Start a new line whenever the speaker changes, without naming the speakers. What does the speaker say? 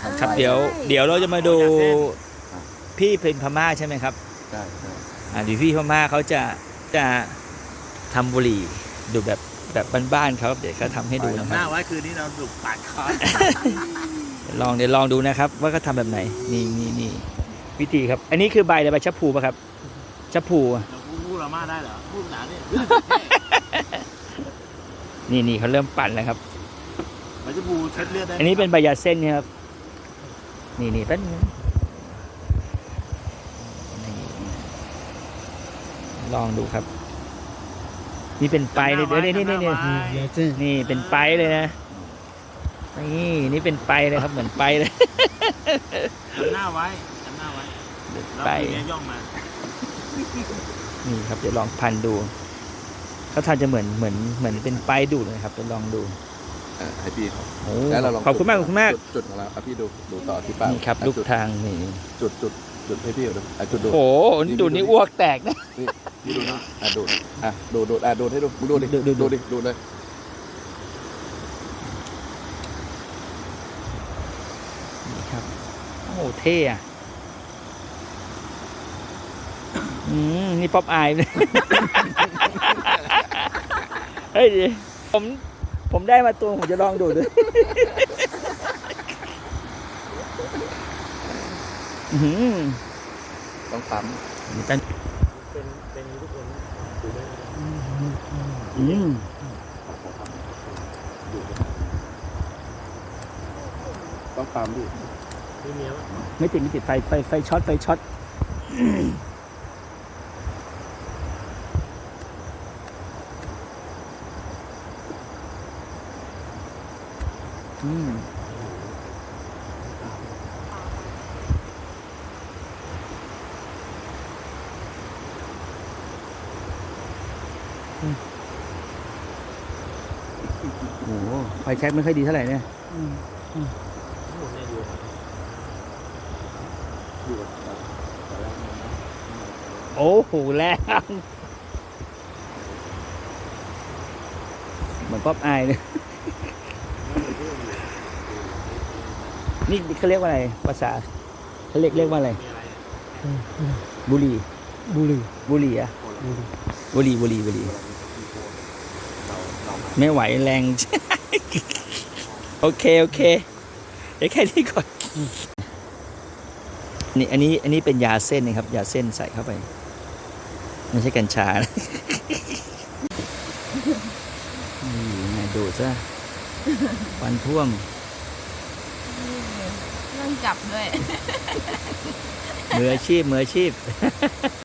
ครับเดี๋ยวเราจะมาดูพี่เป็นพม่าใช่ไหมครับ
ใช่ใช่
เดี๋ยวพี่พม่าเขาจะทำบุหรี่ดูแบบบ้านๆเขาเดี๋ยวเขาทำให้ดูนะค
ห
รับ
น้าไว้คืนนี้เราดุปาดคอ
เดี๋ยวลองดูนะครับ ว่าเขาทำแบบไหนนี่วิธีครับ อันนี้คือใบอะไรใบชะพูป่ะครับชะพู
เราพูดเรามาได้เหรอพูดหนาเนี่ย
นี่เขาเริ่มปั่นแล้วครับ
มันจะบูเช็ดเลือดได้
อันนี้เป็นใบยาเส้นครับนี่แป๊บนึงนี่ลองดูครับ นี่เป็นไปเลยเดี๋ยวนี่เป็นไปเลยนะนี่เป็นไปเลยครับเหมือนไปเลย
จำหน้าไว้แล้ว
ไป
คืนนี้ย่องมา
นี่ครับเดี๋ยวลองพันดูเขาทำจะเหมือนเป็นไปดูดเลยครับเดี๋ยวลองดู
ให้พี่เขา
โอ้
แล้วเราลอง
ขอบคุณมาก
จุดของเราพี่ดูต่อที่ป้า
นี่ครับลูกทางนี่
จุดให้พี่ดูจุดดู
โอ้โหดูดนี่อ้วกแตกนะ
พี่ดูนะดูดให้ดูดูดิดูเลย
นี่ครับโอ้โหเท่อะนี่ป๊อปอายเลย เฮ้ยผมได้มาตัวผมจะลองดูด้วย
ต้องปั๊ม
เป็นทุกคนดูได้
ต้องปั๊มดิ
มีเมียปะ
ไม่ติดไฟช็อตโอ้โหไฟแช็กไม่ค่อยดีเท่าไหร่เนี่ย
ทั้งหมดเนี่ยอยู่
โอ้โหแรงเหมือนป๊อปอายเลยนี่เขาเรียกว่าอะไรภาษาเขาเรียกว่าอะไร
มีอะไร
บุหรี่อะบุหรี่ไม่ไหวแรง โอเคเดี๋ยวแค่นี้ก่อนนี่อันนี้เป็นยาเส้นนะครับยาเส้นใส่เข้าไปไม่ใช่กัญชานะนี่ดูซะควันท่วม
เรื่องจับด้วย
มืออาชีพ